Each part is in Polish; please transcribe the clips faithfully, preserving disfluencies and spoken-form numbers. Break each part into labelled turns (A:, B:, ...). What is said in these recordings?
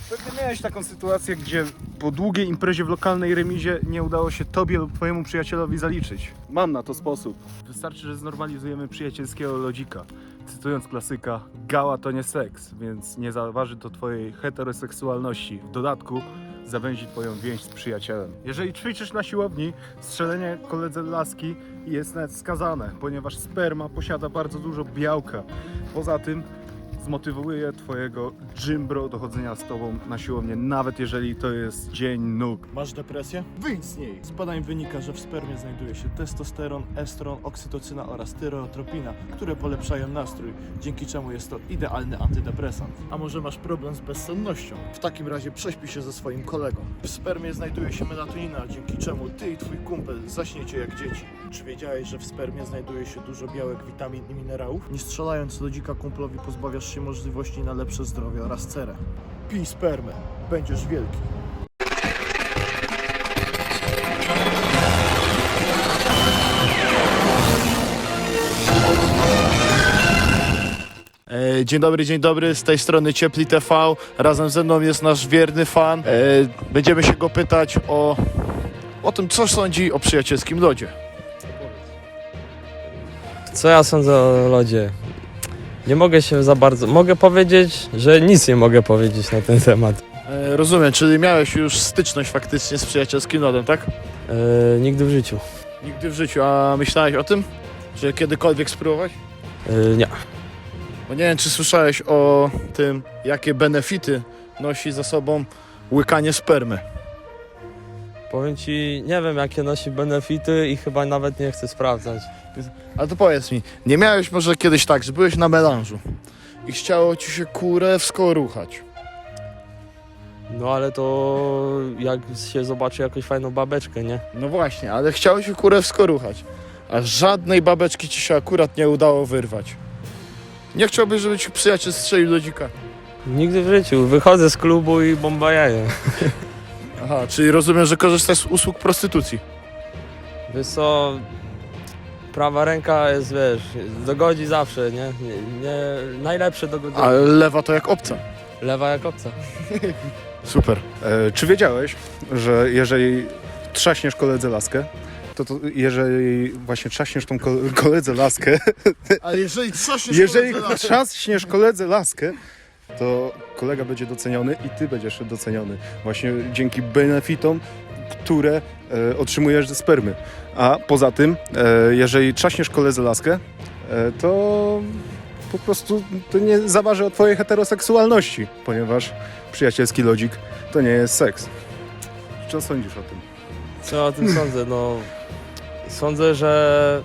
A: Pewnie miałeś taką sytuację, gdzie po długiej imprezie w lokalnej remizie nie udało się tobie lub twojemu przyjacielowi zaliczyć. Mam na to sposób. Wystarczy, że znormalizujemy przyjacielskiego lodzika. Cytując klasyka, gała to nie seks, więc nie zaważy to twojej heteroseksualności. W dodatku zawęzi twoją więź z przyjacielem. Jeżeli ćwiczysz na siłowni, strzelenie koledze laski jest nawet skazane, ponieważ sperma posiada bardzo dużo białka. Poza tym zmotywuje twojego gymbro do chodzenia z tobą na siłownię, nawet jeżeli to jest dzień nóg.
B: Masz depresję? Wyjdź z niej! Z badań wynika, że w spermie znajduje się testosteron, estron, oksytocyna oraz tyreotropina, które polepszają nastrój, dzięki czemu jest to idealny antydepresant. A może masz problem z bezsennością? W takim razie prześpij się ze swoim kolegą. W spermie znajduje się melatonina, dzięki czemu ty i twój kumpel zaśniecie jak dzieci. Czy wiedziałeś, że w spermie znajduje się dużo białek, witamin i minerałów? Nie strzelając do dzika kumplowi pozbawiasz się możliwości na lepsze zdrowie oraz cerę. Pij spermę, będziesz wielki. E, Dzień dobry, dzień dobry, z tej strony Ciepli T V. Razem ze mną jest nasz wierny fan. E, Będziemy się go pytać o, o tym, co sądzi o przyjacielskim lodzie.
C: Co ja sądzę o lodzie? Nie mogę się za bardzo... Mogę powiedzieć, że nic nie mogę powiedzieć na ten temat.
B: E, Rozumiem, czyli miałeś już styczność faktycznie z przyjacielskim lodem, tak?
C: Yy, nigdy w życiu.
B: Nigdy w życiu, a myślałeś o tym? Czy kiedykolwiek spróbować?
C: Yy, nie.
B: Bo nie wiem, czy słyszałeś o tym, jakie benefity nosi za sobą łykanie spermy.
C: Powiem ci, nie wiem jakie nosi benefity i chyba nawet nie chcę sprawdzać.
B: Ale to powiedz mi, nie miałeś może kiedyś tak, że byłeś na melanżu i chciało ci się kurewsko ruchać?
C: No ale to jak się zobaczy jakąś fajną babeczkę, nie?
B: No właśnie, ale chciało się kurewsko ruchać, a żadnej babeczki ci się akurat nie udało wyrwać. Nie chciałbyś, żeby ci przyjaciel strzelił do dzika?
C: Nigdy w życiu. Wychodzę z klubu i bomba jaje.
B: Aha, czyli rozumiem, że korzystasz z usług prostytucji.
C: Wiesz co... Prawa ręka jest, wiesz, dogodzi zawsze, nie? nie, nie najlepsze dogodzenie.
B: A lewa to jak obca.
C: Lewa jak obca.
B: Super.
A: E, czy wiedziałeś, że jeżeli trzaśniesz koledze laskę, to, to jeżeli właśnie trzaśniesz tą ko- koledze laskę,
B: Ale jeżeli coś
A: jeżeli trzaśniesz koledze laskę, to kolega będzie doceniony i ty będziesz doceniony właśnie dzięki benefitom, które e, otrzymujesz ze spermy. A poza tym, e, jeżeli trzaśniesz koledze laskę, e, to po prostu to nie zaważy o twojej heteroseksualności, ponieważ przyjacielski lodzik to nie jest seks. Co sądzisz o tym?
C: Co o tym sądzę? No, sądzę, że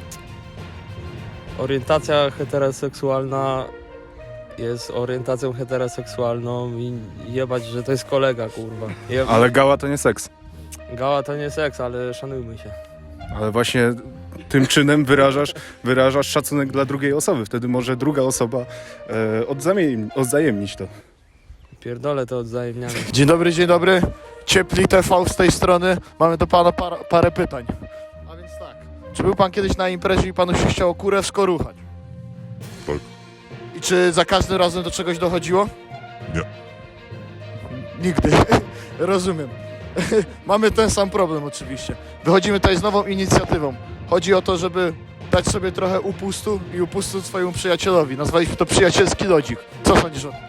C: orientacja heteroseksualna jest orientacją heteroseksualną i jebać, że to jest kolega, kurwa. Jeb...
A: Ale gała to nie seks.
C: Gała to nie seks, ale szanujmy się.
A: Ale właśnie tym czynem wyrażasz, wyrażasz szacunek dla drugiej osoby. Wtedy może druga osoba e, odzajemni, odzajemnić to.
C: Pierdolę to odzajemniamy.
B: Dzień dobry, dzień dobry. Ciepli T V z tej strony. Mamy do pana para, parę pytań. A więc tak. Czy był pan kiedyś na imprezie i panu się chciało kurewsko ruchać?
D: Tak.
B: I czy za każdym razem do czegoś dochodziło?
D: Nie.
B: Nigdy. Rozumiem. Mamy ten sam problem oczywiście. Wychodzimy tutaj z nową inicjatywą. Chodzi o to, żeby dać sobie trochę upustu i upustu swojemu przyjacielowi. Nazwaliśmy to przyjacielski lodzik. Co sądzisz o tym?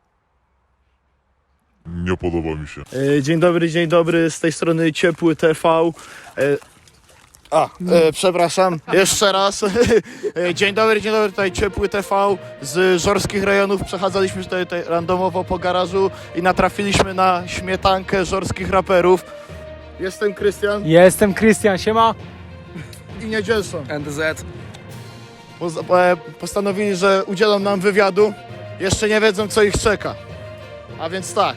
D: Nie podoba mi się.
B: E, Dzień dobry, dzień dobry, z tej strony Ciepły T V. E, A, e, przepraszam, jeszcze raz. E, Dzień dobry, dzień dobry, tutaj Ciepły T V z żorskich rejonów. Przechadzaliśmy tutaj, tutaj randomowo po garażu i natrafiliśmy na śmietankę żorskich raperów. Jestem Krystian
E: Jestem Krystian, siema.
B: i Niedzielson.
E: N D Z.
B: Poz- e, Postanowili, że udzielą nam wywiadu. Jeszcze nie wiedzą, co ich czeka. A więc tak.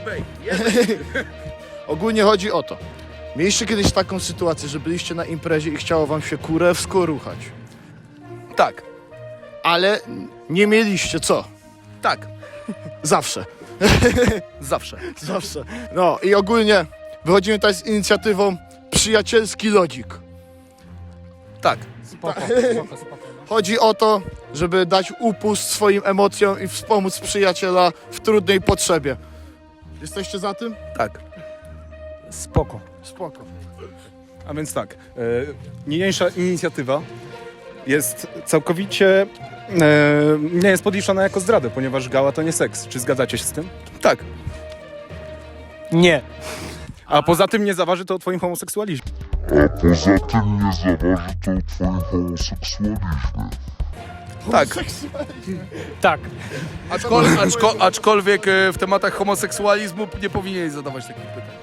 B: Ogólnie chodzi o to. Mieliście kiedyś taką sytuację, że byliście na imprezie i chciało wam się kurewsko ruchać.
E: Tak,
B: Ale nie mieliście co?
E: tak,
B: Zawsze.
E: zawsze.
B: Zawsze. No i ogólnie wychodzimy tutaj z inicjatywą Przyjacielski Lodzik.
E: Tak.
C: Spoko, spoko, spoko.
B: Chodzi o to, żeby dać upust swoim emocjom i wspomóc przyjaciela w trudnej potrzebie. Jesteście za tym?
E: Tak.
A: Spoko.
B: Spoko.
A: A więc tak, e, niniejsza inicjatywa jest całkowicie e, nie jest podliczana jako zdradę, ponieważ gała to nie seks. Czy zgadzacie się z tym?
E: Tak.
A: Nie. A poza tym nie zaważy to o twoim homoseksualizmie.
D: A poza tym nie zaważy to o twoim homoseksualizmie.
E: Tak.
F: Tak.
E: Aczkol, aczko, aczkolwiek e, w tematach homoseksualizmu nie powinieneś zadawać takich pytań.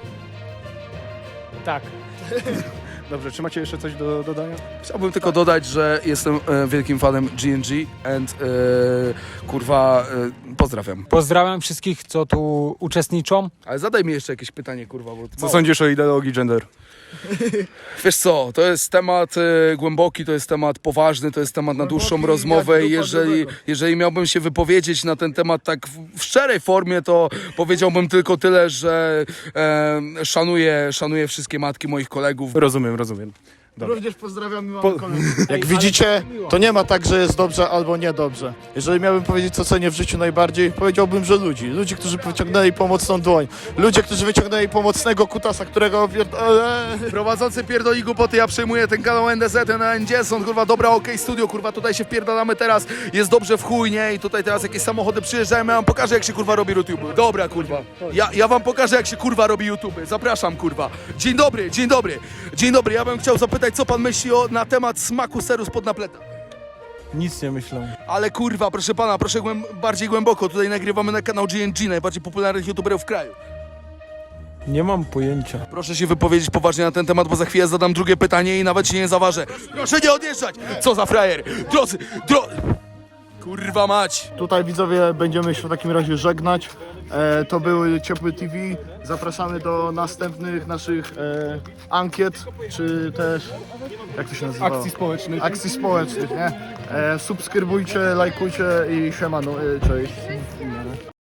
F: Tak.
A: Dobrze, czy macie jeszcze coś do dodania?
E: Chciałbym tylko dodać, że jestem e, wielkim fanem G N G and e, kurwa e, pozdrawiam.
F: Pozdrawiam wszystkich, co tu uczestniczą.
E: Ale zadaj mi jeszcze jakieś pytanie, kurwa, bo
A: Co sądzisz o ideologii gender?
E: Wiesz co, to jest temat e, głęboki, to jest temat poważny, to jest temat na dłuższą
B: Głęboki
E: rozmowę
B: jak
E: i
B: dupa
E: jeżeli,
B: grubego.
E: jeżeli miałbym się wypowiedzieć na ten temat tak w, w szczerej formie, to powiedziałbym tylko tyle, że e, szanuję, szanuję wszystkie matki moich kolegów.
A: Rozumiem, rozumiem. Dobra.
B: Również pozdrawiamy mamy
A: Po-
B: kolegów. Jak widzicie, to nie ma tak, że jest dobrze albo niedobrze. Jeżeli miałbym powiedzieć, co cenię w życiu najbardziej, powiedziałbym, że ludzi. Ludzi, którzy wyciągnęli pomocną dłoń. Ludzie, którzy wyciągnęli pomocnego kutasa, którego... opier- eee.
E: Prowadzący pierdoli głupoty, ja przejmuję ten kanał N D Z, na N D są, kurwa, dobra, okej, studio, kurwa, tutaj się wpierdalamy teraz, jest dobrze w chuj, nie? I tutaj teraz jakieś samochody przyjeżdżają, ja wam pokażę, jak się, kurwa, robi YouTube. Dobra, kurwa, ja, ja wam pokażę, jak się, kurwa, robi YouTube. Zapraszam, kurwa. Dzień dobry, dzień dobry, dzień dobry, ja bym chciał zapytać, co pan myśli o, na temat smaku seru spod napleta?
B: Nic nie myślę.
E: Ale, kurwa, proszę pana, proszę głęb bardziej głęboko, tutaj nagrywamy na kanał G N G, najbardziej popularnych YouTuberów w kraju.
B: Nie mam pojęcia.
E: Proszę się wypowiedzieć poważnie na ten temat, bo za chwilę zadam drugie pytanie i nawet się nie zaważę. Proszę nie odjeżdżać! Co za frajer! Drodzy, dro... Kurwa mać!
B: Tutaj widzowie będziemy się w takim razie żegnać. E, to były Ciepły T V. Zapraszamy do następnych naszych e, ankiet, czy też, jak to się nazywa?
A: Akcji społecznych.
B: Akcji społecznych, nie? E, subskrybujcie, lajkujcie i siemano, e, cześć.